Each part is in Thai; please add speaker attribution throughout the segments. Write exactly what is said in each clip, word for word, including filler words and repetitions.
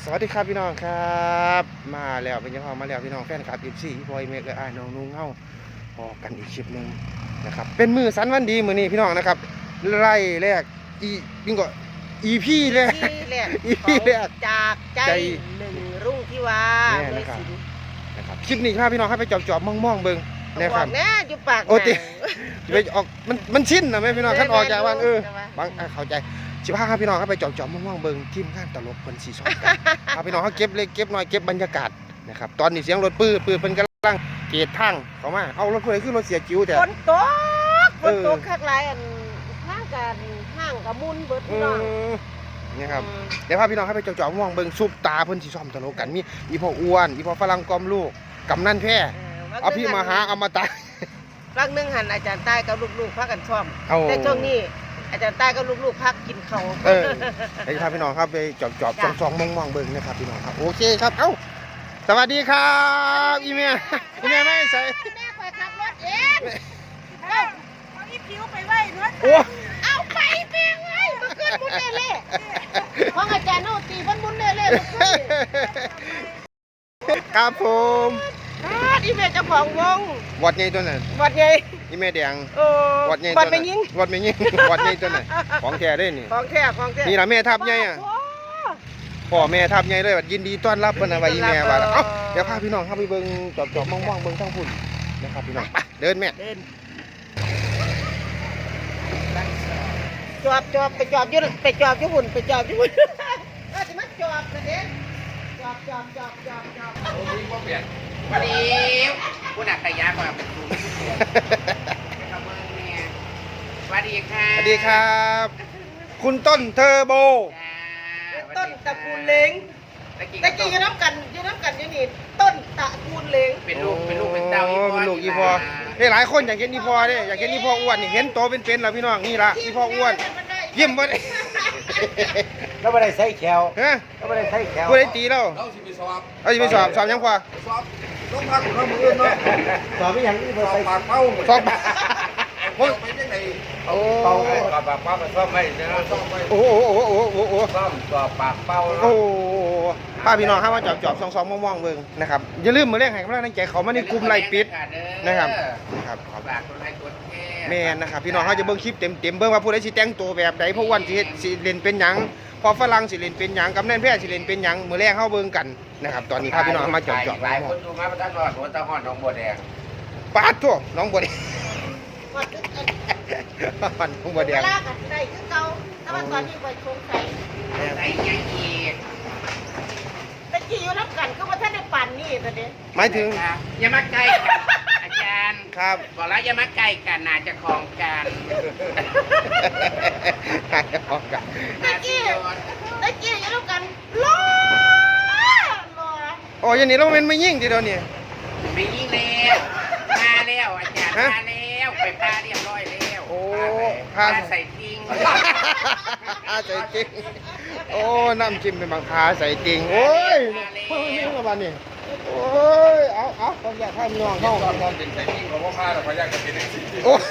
Speaker 1: สวัสดีครับพี่น้องครับมาแล้วเป็นยังไงมาแล้วพี่น้องแฟนคลับอีซี่พี่บอยเมกและอ้ายน้องนุ่งเฮาพอกันอีกคลิปหนึ่งนะครับเป็นมือสันวันดีมือนี้พี่น้องนะครับไล่แรกอีบิงก็อีพี่แรกอีพี่แรก
Speaker 2: จากใจหนึ่งรุ่งที่ว่าเลยสิ
Speaker 1: นะครับคลิปนี้พาพี่น้องให้ไปจอบจอบมองมองเบิ้งนะครับ
Speaker 2: แน่อยู่ปาก
Speaker 1: โอ้ติไปออกมันมันชินนะแม่พี่น้องขั้นออกจากบ้านเออบางเข้าใจสิบห้าครับพี่น้องครับไปจอบจอบมองมองเบิ้งทีมงานตลกคนสีส้มครับพี่น้องเขาเก็บเล็กเก็บน้อยเก็บบรรยากาศนะครับตอนนี้เสียงรถปื้อปื้อเป็นกำลังเกตทางเขามาเอารถเพื่อขึ้นรถเสียจิ๋วแต่
Speaker 2: ฝนตกฝนตกคักหลายอันห้างกันห้างกับมุนเบิดพี่น้อง
Speaker 1: นี่ครับเดี๋ยวพาพี่น้องให้ไปจอบจอบมองเบิ้งซุปตาเพิ่นสีส้มตลกกันมีอีพ่ออ้วนอีพ่อฝรั่งกอมลูกกำนันแพร่เอาพี่มาหาอมตะ
Speaker 2: รักนึงหันอาจารย์ใต้กับลูกๆพักกันชอบแต่ช่วงนี้อาจารย์ใต้กับลูกๆพักกินเขา
Speaker 1: เออไอ้พาพี่น้องครับไปจอบจอบซองมองมองเบิ้งนะครับพี่น้องครับโอเคครับเอ้าสวัสดีครับอีเมียอีเมียไม่ใส่
Speaker 2: แม่คอยขับรถเองเอาเอาอีผิวไปไว้รถเอาไปเพียงไว้มาขึ้นมุนเล่ๆของอาจารย์โนตีฟันมุนเล่ๆมาขึ้น
Speaker 1: ครับผม
Speaker 2: อีเมย์เจ้าของวง
Speaker 1: วัดใหญ่ตัวนั้น
Speaker 2: วัดใหญ่
Speaker 1: อีเมย์แดง
Speaker 2: วัดใหญ่วัดไม่ยิง
Speaker 1: วัดไม่ยิงวัดใหญ่ตัวนั้นของแท้ได้นี่
Speaker 2: ของแท้ของแท้
Speaker 1: นี่ล่ะแม่ทับใหญ่อ่ะพ่อแม่ทับใหญ่เลยยินดีต้อนรับเพิ่นน่ะว่าอีแม่ว่าเอ้าเดี๋ยวพาพี่น้องเข้าไปเบิ่งจอบๆมองๆเบิ่งทางพุ่นนะครับพี่น้องเดินแม่
Speaker 2: เดินจอบจอบไปจอบอยู่ไปจอบอยู่หุ่นไปจอบอยู่หุ่นเออสิมาจอบนะเด้จอบจอบจอบจอบจอบ
Speaker 3: โอ้ยบ่เปลี่ยนวันนี้ผู้นักขยะมาเป็นครูสวัสดีค่ะ
Speaker 1: สวัสดีครับคุณต้นเทอร์โบ
Speaker 2: ต้นตระกูลเล้งตะกี้อยู่น้ำกันอยู่น้ำกันอยู่นี่ต้นตระกูลเล้ง
Speaker 3: เป็นลูกเป็นลูกเป็นเต้า
Speaker 1: เป็นลูกอีพอนี่หลายคนอยากเห็นอีพอเนี่ยอยากเห็นอีพออ้วนนี่เห็นโตเป็นๆแล้วพี่น้องนี่ละอีพออ้วนยิ้มบ่ได้
Speaker 4: แล้วไม่ได้ใส่แขว
Speaker 1: ฮะ
Speaker 4: แล้วไม่ได้ใส่แขว
Speaker 1: ผู้ใดตีเรา
Speaker 3: เราสิไปสอบ
Speaker 1: เราสิไปสอบสอบยังพอ
Speaker 3: สอบลงพักเรามือเนาะ
Speaker 4: สอบไม่ยัง
Speaker 3: สอบปากเป้า
Speaker 1: สอบ
Speaker 3: ผมไปยังไง
Speaker 1: โอ้
Speaker 4: เป้าสอบปากเป้ามันสอบไม่ได้
Speaker 3: สอบไป
Speaker 1: โอ้โหโอ้โหโอ้โหโอ้โห
Speaker 4: สอบสอบปากเป้า
Speaker 1: โอ้ป้าพี่น้องครับว่าจอบจอบซองซองมองมองเบิ่งนะครับอย่าลืมมือแรกให้กำลังใจเขามาในกลุ่มไลฟ์ปิดนะครับนะครับ
Speaker 3: ฝากคนไลค์กดแชร์
Speaker 1: แม่นนะครับพี่น้องเขาจะเบิ่งคลิปเต็มเต็มเบิ่งว่าผู้ใดสิแต่งตัวแบบใดเพราะวันสิสิเล่นเป็นหยังพอฝรั่งสิเล่นเป็นหยังกำนันแพทย์สิเล่นเป็นหยังมือแรกเข้าเบิ่งกันนะครับตอนนี้พาพี่น้องมาจอบจอบ
Speaker 3: หลายคนดูมาประทานรอดหัวตะหอนน้องบัวแดง
Speaker 1: ปาดทั่วน้องบัวแดงน้องบัวแดง
Speaker 2: ลากันได้คือเก่าแต่ว่าตอนนี้ไปชงใส่
Speaker 3: ใส่ยังอีก
Speaker 2: ตะกี้อยู่น้ำกันก็ว่าท่านได้ปั่นนี่ตอนนี้
Speaker 1: หมายถึง
Speaker 3: อย่ามาใกล้กันอาจารย์
Speaker 1: ครับ
Speaker 3: บอกแล้วอย่ามาใกล้กันน่าจะคลองกัน
Speaker 1: น่าจะคลองกัน
Speaker 2: ตะกี้ตะกี้อยู่น้ำกันรอรอ
Speaker 1: โอ้ยนี่เราเป็นไม่ยิ่งทีเดียวนี่
Speaker 3: ไม่ยิ่งแล้วมาแล้วอาจารย์มาแล้วไปพาเรียบร้อยแล้ว
Speaker 1: โอ้
Speaker 3: พาใส่ทิ้ง
Speaker 1: พาใส่ทิ้งโอ้น้ำจิ้มเป็นบางพาใส่ทิ้งโอ้ยเพิ่งนี่มาบ้านนี่โอ้ยเอาเอาต้องอยากให้น้องเข้า
Speaker 3: ตอนเป็นใส่ทิ้งเราก็พาเราพยายามจะเป็นสิ่งที่
Speaker 1: โอ้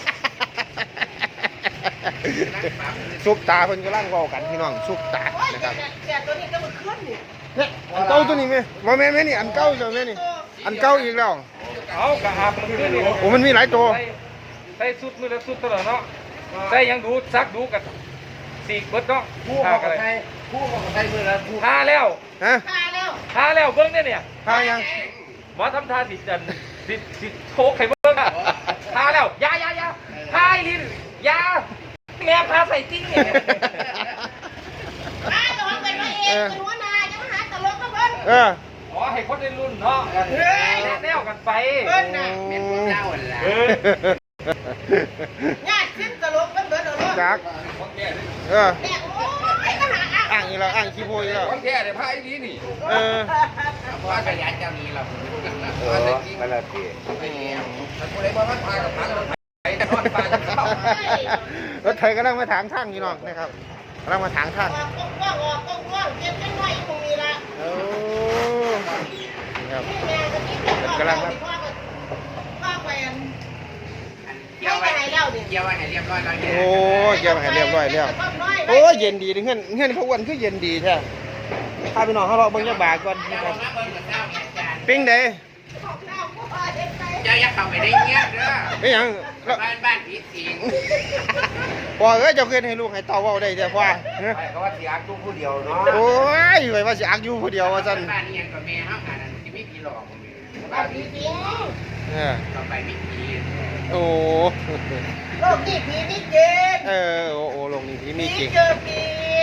Speaker 1: ซุปตาเพิ่นกำลังรอกันพี่น้องซุปตานะครับ
Speaker 2: แต่ตัวนี้ก็มันขึ้นนี่
Speaker 1: เนี่ยอันเก่าตัวนี้ไหมว่าแม่แม่นี่อันเก่าใช่ไหมนี่อันเก่าอีกแล้ว
Speaker 4: เอากระหับมันขึ้นนี่
Speaker 1: โอ้มันมีหลายตัว
Speaker 4: ใส่สุดมือละสุดตลอดเนาะใส่ยังดูซักดูกันสี่เบิดเนาะ
Speaker 3: ผู้ของใครผู้ของใครมือละ
Speaker 4: ทาแล้ว
Speaker 1: ฮะ
Speaker 2: ทาแล้ว
Speaker 4: ทาแล้วเบิ้งเนี่ยเนี่ย
Speaker 1: ทายัง
Speaker 4: หมอทำทาสิจันสิสิโชกไข่เบิ้งทาแล้วยายายาทาลิ้นยาแม่พาใส่ติ้งเนี่ย
Speaker 2: ทาแต่ว่าเป็นพระเอกเป็นหัวหน้าจะมาหาตลกก็เบิ้ง
Speaker 1: เออ
Speaker 4: อ๋อให้คนในรุ่นเนาะแนวกันไป
Speaker 2: เบิ้งน่ะ
Speaker 3: เป็นพวกเจ้าแหละ
Speaker 2: ญาติขึ้นตลกกันเบิ้งเนาะ
Speaker 1: จักเอออ่างอีแล้วอ่างขี้โพยแล้ว
Speaker 3: คนแก่เนี่ยพายนี้นี่
Speaker 1: เออ
Speaker 3: เพราะขยันเจ้านี้เรา
Speaker 4: เออมาละที
Speaker 3: ไปแล้วถ้าคนไหนมาพัดพากับพากับไปนอนพากับเข้าร
Speaker 1: ถไถกำลังมาถางทางพี่น้องนะครับกำลังมาถางทาง
Speaker 2: ก้องก้องก้องก้องเจ็บจังหน่อยตรงนี้ละ
Speaker 1: โอ้
Speaker 2: ครับกำลังครับว่าไปอันเกี่ยวไว้ให้เล่าดิ
Speaker 3: เกี่ยวไว้ให้เรียบร้อยแล้ว
Speaker 1: โอ้เกี่ยวไว้ให้เรียบร้อยแล้วโอ้เย็นดีเงี้ยเงี้ยเขาอ้วนคือเย็นดีใช่พาพี่น้องเขาเลาะเบิ่งจักบาทก่อน
Speaker 3: เจ้า
Speaker 1: นะครับ
Speaker 3: มาเบิ่งกับเจ้าเนี่ยอาจารย์
Speaker 1: ปิ้งเด้
Speaker 3: เจ้าอย่าเข้าไปได้เงี้ยเด้อ
Speaker 1: ไม่หยังแล้ว
Speaker 3: บ้านบ้านผีสิง
Speaker 1: พ่อเอ้ยเจ้าเคยให้ลูกให้เต้าเว้าได้เด้อพ่อเอ้ย
Speaker 3: ไปก็ว่าสิอักตู้ผู้เดียวเนาะ
Speaker 1: โอ้ยไว้ว่าสิอักอยู่ผู้เดียวว่าซั่น
Speaker 3: บ้านนี้ยังกับแม่เฮาหานั่นสิมีผีหลอกบ่มี
Speaker 2: บ้านผีสิง
Speaker 1: เออ
Speaker 3: ต่อไปมีผี
Speaker 1: โอ้
Speaker 2: โลกนี้ผีนี่เก่ง
Speaker 1: เออโอ้โอ้ลงนี่ที่มี
Speaker 2: ผี
Speaker 1: จริง
Speaker 2: เจอผี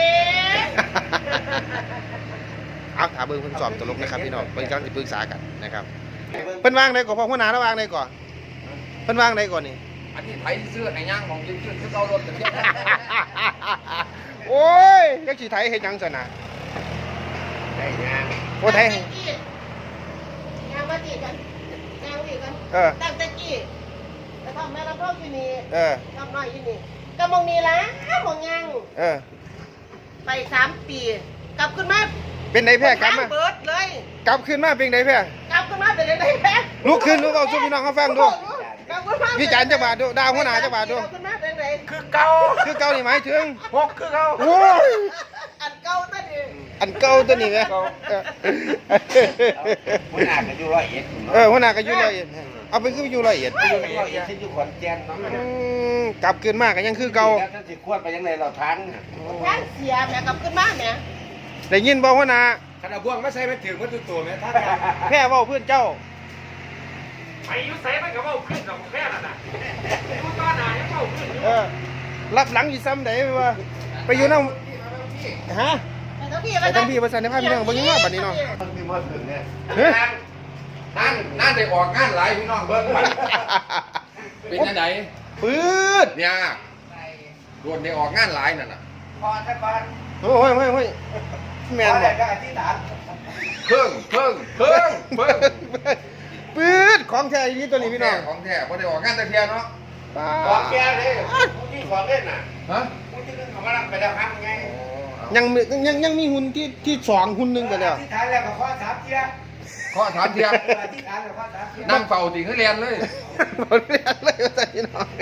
Speaker 1: เอาถามเบิ่งเพิ่นสอบตลกนะครับพี่น้องเพิ่นกำลังสิปรึกษากันนะครับเพิ่นวางได้ก่อนพ่อหัวหน้าระวางได้ก่อนเพิ่นวางได้ก่อนนี่
Speaker 4: อันนี้ไทยเสื้อในย่างของยืนขึ้นคือเอารถกันเนี่ย
Speaker 1: โอ้ยจักสิไทยเฮ็ดหยังซั่นน่ะ
Speaker 3: ได้ยาง
Speaker 1: โอ้ไทย
Speaker 2: ยางมาตีกันยางตีกัน
Speaker 1: เออ
Speaker 2: ตั้งแต่กี้แต่ทำแม่รับรองอยู่นี่
Speaker 1: เออ
Speaker 2: ทำน้อยอยู่นี่กำมองนี่ละมองยัง
Speaker 1: เออ
Speaker 2: ไปสามปี กลับขึ้นมา
Speaker 1: เป็นไดแพ้กลับมา
Speaker 2: เบิดเลย
Speaker 1: กลับขึ้นมาเป็นไดแพ้
Speaker 2: กลับขึ้นมาเป็นไงแพ้
Speaker 1: ลุกขึ้นดูเว้าสู่พี่น้องเขาฟังดู
Speaker 2: กลับขึ้นมา
Speaker 1: วิจารณ์จักบาทดูดาวหัวหน้าจักบาทดู
Speaker 2: กลับขึ้นมาเป็นไง
Speaker 4: คือเก่า
Speaker 1: คือเก่านี่หมายถึง
Speaker 4: หกคือเก่า
Speaker 1: โอ้ย
Speaker 2: อันเก่าตั้งนี่
Speaker 1: อันเก่าตัวนี้แหมเออ
Speaker 3: หัวหน้าก็อยู่ร้อยเอ็ด
Speaker 1: เออหัวหน้าก็อยู่ร้อยเอ็ดเอาไปคืออยู่ร้อยเอ็ด
Speaker 3: อยู่ร้อยเอ็ดที่อยู่ขอนแก่นเนาะ
Speaker 1: อืมกลับขึ้นมาก็ยังคือเก่า
Speaker 3: แล้วท่านสิควรไปยังไงเราทาง
Speaker 2: ทางเสียแม่กลับขึ้นมาแม่
Speaker 1: ได้ยินบ่หัวหน้า
Speaker 4: ขนาดบ่วงไม่ใช่ไม่ถึงมันตัวตัวแม่ท่าน
Speaker 1: แพ้เว้าเพื่อนเจ้า
Speaker 4: ไอ้ยุ้ยใส่มันก็ว่าขึ้นกับแค่นั้นน่ะดูบ้านไหนยังว่าขึ้นอยู่
Speaker 1: เออรับหลังอยู่ซ้ำไดว่าไปอยู่นำฮะ
Speaker 2: ไปทั้งพี่
Speaker 1: ไปทั้งพี่ภาษาในภาพพี่น้องเบิ่งว่าบัดนี้เนาะ
Speaker 3: มันมีมาถึงเนี่ย
Speaker 1: เฮ้ย
Speaker 4: นั่นนั่นได้ออกงานหลายพี่น้องเบิ่งไปเป็นยังไง
Speaker 1: ปืด
Speaker 4: เนี่ยรวนได้ออกงานหลายนั่นน่ะ
Speaker 3: พอถ้าบ้าน
Speaker 1: โอ้ยโอ้ยโอ้ยแม่นบ่
Speaker 3: ก็อธิษฐาน
Speaker 4: เพิ่งเพิ่งเพิ่งเพิ่ง
Speaker 1: ปืดของแท้อีหลีตัวนี้พี่น้อง
Speaker 4: ของแท้บ่ได้ออกงานแต่เพียเนาะ
Speaker 1: ป้า
Speaker 3: ของแกเลยที่ของเล่นน่ะ
Speaker 4: ฮะ
Speaker 3: ผู้ที่นึงเขามารับไปแล้วครับไง
Speaker 1: ยังมียังยังมีหุ่นที่ที่สองหุ่นหนึงไปแล้ว
Speaker 3: อธิษฐานแล้วก็ข้อสามเทีย
Speaker 4: ข้อถามเทีย
Speaker 3: อธิษฐานแล้วข้อสามเทีย
Speaker 4: นั่งเฝ้าติคือเรียนเลย
Speaker 1: บ่เรียนเลยว่าซั่นพี่น้อง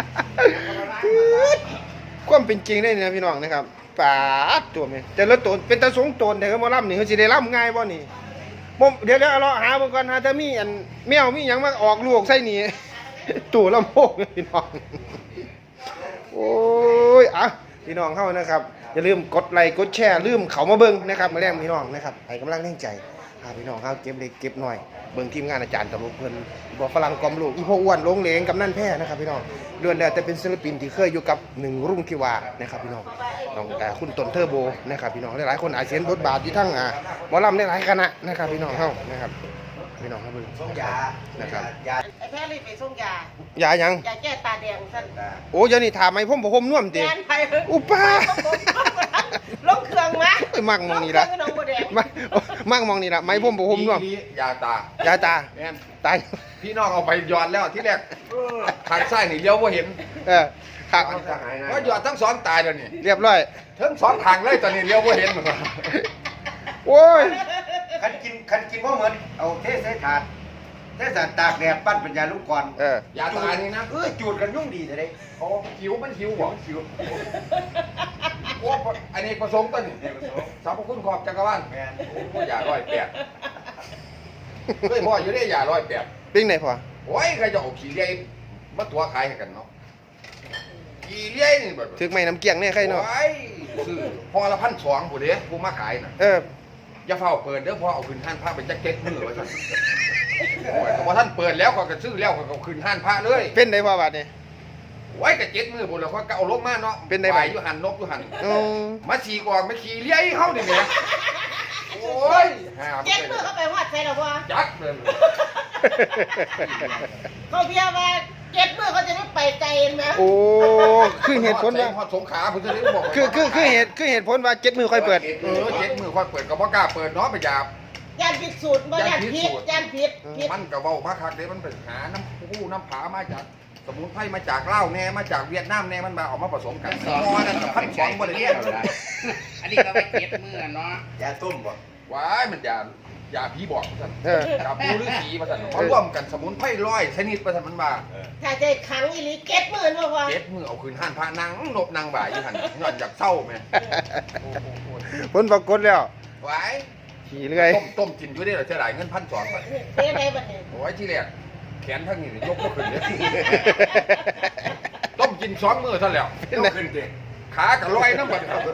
Speaker 1: ความเป็นจริงได้นี่นะพี่น้องนะครับปาดตัวแม่แต่ละตัวเป็นตาสงตนแต่ก็บ่ล่ำนี่เขาสิได้ล่ำง่ายบ่นี่บ่เดี๋ยวเดี๋ยวเอาเลาะหาเบิ่งก่อนหาถ้ามีอันแมวมีหยังมาออกลูกใส่นี่ ตู่ลำโพงพี่น้อง โอ้ยอ่ะพี่น้องเข้านะครับ อย่าลืมกดไลค์กดแชร์ลืมเขามาเบิ่งนะครับมาแรงพี่น้องนะครับให้กำลังแรงใจพาพี่น้องเข้าเก็บเล็กเก็บหน่อยเบิ่งทีมงานอาจารย์ตลกเพิ่นบอกฝรั่งกอมลูกอีพ่ออ้วนลงเหลงกับนั่นแพ้นะครับพี่น้องล้วนแล้วแต่เป็นศิลปินที่เคยอยู่กับหนึ่งรุ่งทิวานะครับพี่น้องน้องแต่คุณต้นเทอร์โบนะครับพี่น้องหลายๆคนอาจจะเห็นบทบาทที่ทั้งอ่าหมอลำหลายๆคณะนะครับพี่น้องเข้านะครับพี่น้องเข้าเบิ่ง
Speaker 3: ส่งยา
Speaker 1: นะครับ
Speaker 3: ยา
Speaker 2: ไอ้แพ้รีบไปส่งยาย
Speaker 1: าหยัง
Speaker 2: ยาแก้ตาแดงสั้น
Speaker 1: โอ้ยเดี๋ยวนี้ถามไหมผมบ่ผมน่วมติ
Speaker 2: แกนไป
Speaker 1: อุป้า
Speaker 2: ลงเครื่องมา
Speaker 1: เอ้ยมักมองนี่ละ
Speaker 2: ลเครื่องน้องบัวแดง
Speaker 1: มักมักมองนี่ละไหมผมบ่ผมน่วม
Speaker 4: ยาตาย
Speaker 1: าตา
Speaker 4: แม่น
Speaker 1: ตาย
Speaker 4: พี่น้องเอาไปหยอดแล้วที่แรกทางซ้ายนี่เลี้ยวบ่เห็น
Speaker 1: เออหัก
Speaker 4: ก็หยอดทั้งสองตายแล้วนี่
Speaker 1: เรียบร้อย
Speaker 4: ทั้งสองทางเลยตอนนี้เลี้ยวบ่เห็นหมด
Speaker 1: โอ้ย
Speaker 3: คันกินคันกินว่าเหมือนเอาเทใส่ถาดเทใส่ตากแดดปั้นเป็นยาลูกกรอน
Speaker 1: เออย
Speaker 4: าตายนี่นะ
Speaker 3: เออจูดกันยุ่งดีแต่ได้
Speaker 4: เขาหิวมันหิวบ่หิวโอ้อันนี้ประสงค์ต้นนี่สรรพคุณขอบจักรวาล
Speaker 3: แม่น
Speaker 4: โอ้ยาร้อยแปดเคยพ่ออยู่ได้ยาร้อยแปด
Speaker 1: ปิ้งไหนพอ
Speaker 4: โอ้ยใครจะเอาขี้เลี้ยมาตัวขายให้กันเนาะขี้เลี้ยนี่แบบ
Speaker 1: ถึกไหมน้ำเกียงเนี่ยใครเนาะ
Speaker 4: โอ้ยซื้อพอละพันสองผู้เด้ผู้มาขายน่ะ
Speaker 1: เออ
Speaker 4: อย่าเฝ้าเปิดเด้อพอเอาขึ้นห้านพระเป็นแจ็คเก็ตมือไว้สั่นโอ้ยพอท่านเปิดแล้วเขาก็ซื้อแล้วเขาก็ขึ้นห้านพระเลย
Speaker 1: เป็นไดพอบาดนี่
Speaker 4: ไว้กับเจ็ดมือบุญแล้วเขาก็เอาลงมาเนาะ
Speaker 1: เป็นไงบ้าง
Speaker 4: ปอยู่หันนกอยู่หัน
Speaker 1: อือ
Speaker 4: มาฉีกออกมาขี่เลี้ยเข้าดิแม่โอ้ยหา
Speaker 2: เจ็ดมือเข้าไปหอดใส่หรอวะ
Speaker 4: จักเลย
Speaker 2: เขาเพียว่าเจ็ดมือเขาจะได้ไปไกลเห็นไหม
Speaker 1: โอ้คือเหตุผลว่า
Speaker 4: ฮอดสงขลาผมจะได้บอก
Speaker 1: คือคือคือเหตุคือเหตุผลว่าเจ็ดมือค่อยเปิด
Speaker 4: เออเจ็ดมือค่อยเปิดก็บ่กล้าเปิดเนาะไปหยาบ
Speaker 2: ยานผิดสูตรบ่ยานผิดยานผิดผิด
Speaker 4: มันก็เว้ามาคักเด้มันเป็นหาน้ำผู้น้ำผามาจากสมุนไพรมาจากลาวแน่มาจากเวียดนามแน่มันมาเอามาผสมกันมอนั่นกับพันสองบ่ได้เรียน
Speaker 3: อันนี้ก็ไปเก็บมือเนาะยาต้มบ่
Speaker 4: ว้ายมันยา ยาผีบอกท่าน
Speaker 1: เออ
Speaker 4: ยาปูฤาษีมาท่านเขาร่วมกันสมุนไพรร้อยชนิดมาท่านมันมา
Speaker 2: ถ้าจะขังอีหลีเก็ตหมื่นบ่พอ
Speaker 4: เจ็ดมือเอาคืนห้านพระนางนบนางบ่ายอยู่หันย้อนอยากเศร้าไหม
Speaker 1: ผลปรากฏแล้ว
Speaker 3: ไหว
Speaker 1: ขี่เรื่อย
Speaker 3: ต้มต้มกินอยู่ได้เหรอเสียดายเงินพันสองบาท
Speaker 2: เต้ไหนบัดนี้
Speaker 3: โอ้ยที่แรกแขนทั้งนี้ยกไม่ขึ้นเลยต้มกินสองมือเท่าแล้วยกขึ้นเด็ขากับลอยน้ำมันครับ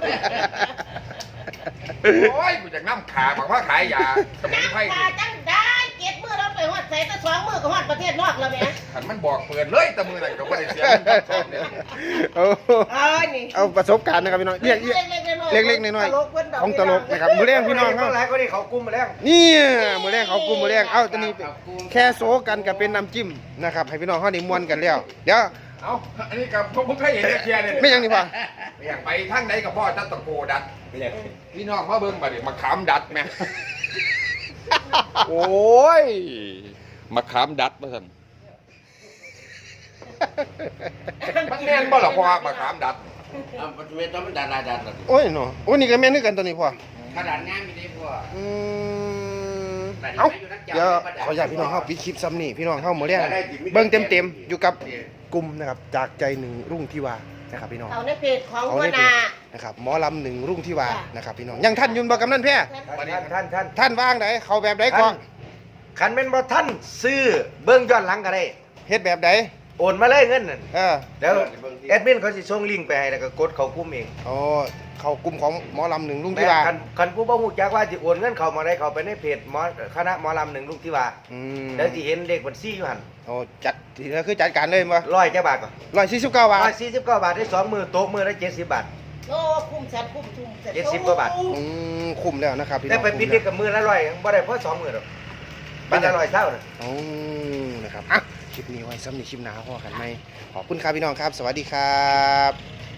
Speaker 3: โอ้ยกูจะน้ำขาบอกว่าขายยาสมุนไพร
Speaker 2: ว่าจังได้เก็บมือเราไปฮอดใส่แต่สองมือก็ฮอดประเทศนอกแล้วแหม่
Speaker 3: ขันมันบอกเปิดเลยแต่มือไหนก็ไม่ได้เสียเงินพันสองเนี่ย
Speaker 1: เอา
Speaker 2: เอ้ยนี่
Speaker 1: เอาประสบการณ์นะครับพี่น้องเรียกเรียก เล็กๆน้อยๆของตลกนะครับมือแรงพี่น้องเขา
Speaker 5: หลายก็นี่เขากุมมาแล้ว
Speaker 1: นี่มือแรงเขากลุ่มมือแรงเอ้าตอนนี้แค่โซกันกับเป็นน้ำจิ้มนะครับให้พี่น้องเขาได้ม่วนกันแล้วเดี๋ยว
Speaker 3: เอาอันนี้กับผมเคยเห็นเคลียร์เลย
Speaker 1: ไม่ยังดีกว่า
Speaker 3: อยากไปทางไหนกับพ่อจัตตะโกดัดพี่น้องมาเบิ่งมาดิมาขามดัดแม่โอ้ยมาขามดัดมาสั่นมันแน่นบ่ล่ะพ่อมาขามดัด
Speaker 5: อ่ามันไม่ต้องมันดาดาดาดา
Speaker 1: โอ้ยเนาะโอ้ยนี่ก็แม่นนึกกันตัวนี้พ่อ
Speaker 5: ขนาดงานมีได้พวก
Speaker 1: อืมเอ้าเดี๋ยวขออยากพี่น้องเข้าปิดคลิปซ้ำนี่พี่น้องเข้ามือแรงเบิ่งเต็มๆอยู่กับกลุ่มนะครับจากใจหนึ่งรุ่งที่วานะครับพี่น้อง
Speaker 2: เอาในเพจของ
Speaker 1: เอา
Speaker 2: หัว
Speaker 1: ใน
Speaker 2: ห
Speaker 1: เพ
Speaker 2: น้า
Speaker 1: จนะครับหมอลำหนึ่งรุ่งที่วานะครับพี่น้องยังท่านยุนบ่กำนันแพ้
Speaker 5: ท่านท่านท่าน
Speaker 1: ท่านว่างไหนเขาแบบไหนก่อน
Speaker 5: ขันเป็นบ่ท่านซื้อเบิ้งย้อนหลังก็ได้
Speaker 1: เฮ็ดแบบไหน
Speaker 5: โอนมาเลยเงินนั่น
Speaker 1: เออ
Speaker 5: เดี๋ยวแอดมินเขาสิส่งลิงก์ไปให้แล้วก็กดเขากุ้มเอง
Speaker 1: อ๋อเขากลุ่มของหมอลำหนึ่งรุ่ง
Speaker 5: แต่
Speaker 1: ที่วา
Speaker 5: คันคันผู้บ่ฮู้จักว่าสิโอนเงินเข้ามาได้เขาไปในเพจหมอคณะหมอลำหนึ่งลูกที่ว่า
Speaker 1: อืม
Speaker 5: แล้วสิเห็นเลขบัญชีอยู่หั่น
Speaker 1: โอ้จัดทีนี้คือจัดการเลยมั้ย
Speaker 5: ร้อยจ้าบาทก่อน
Speaker 1: ร้อยสี่สิบเก้าบาท
Speaker 5: ร้อยสี่สิบเก้าบาทได้สองมือโต๊ะมือละเจ็ดสิบบาท
Speaker 2: โอ้คุ้มสัตว์คุ้มทุ่มสัตว์
Speaker 5: เจ็ดสิบกว่าบาท
Speaker 1: อืมคุ้มแล้วนะครับพี่น้
Speaker 5: แต่
Speaker 1: อง
Speaker 5: ไปปิดเด็กกับมือละร้อยบ่ได้เพราะสองมือหรอกบัตรละร้อยเท่าน่ะ
Speaker 1: โอ้นะครับอ่ะคลิปนี้ไว้ซ้ำในคลิปหน้าพอกันไหมขอบคุณครับพี่น้องครับ สวัสดีครับ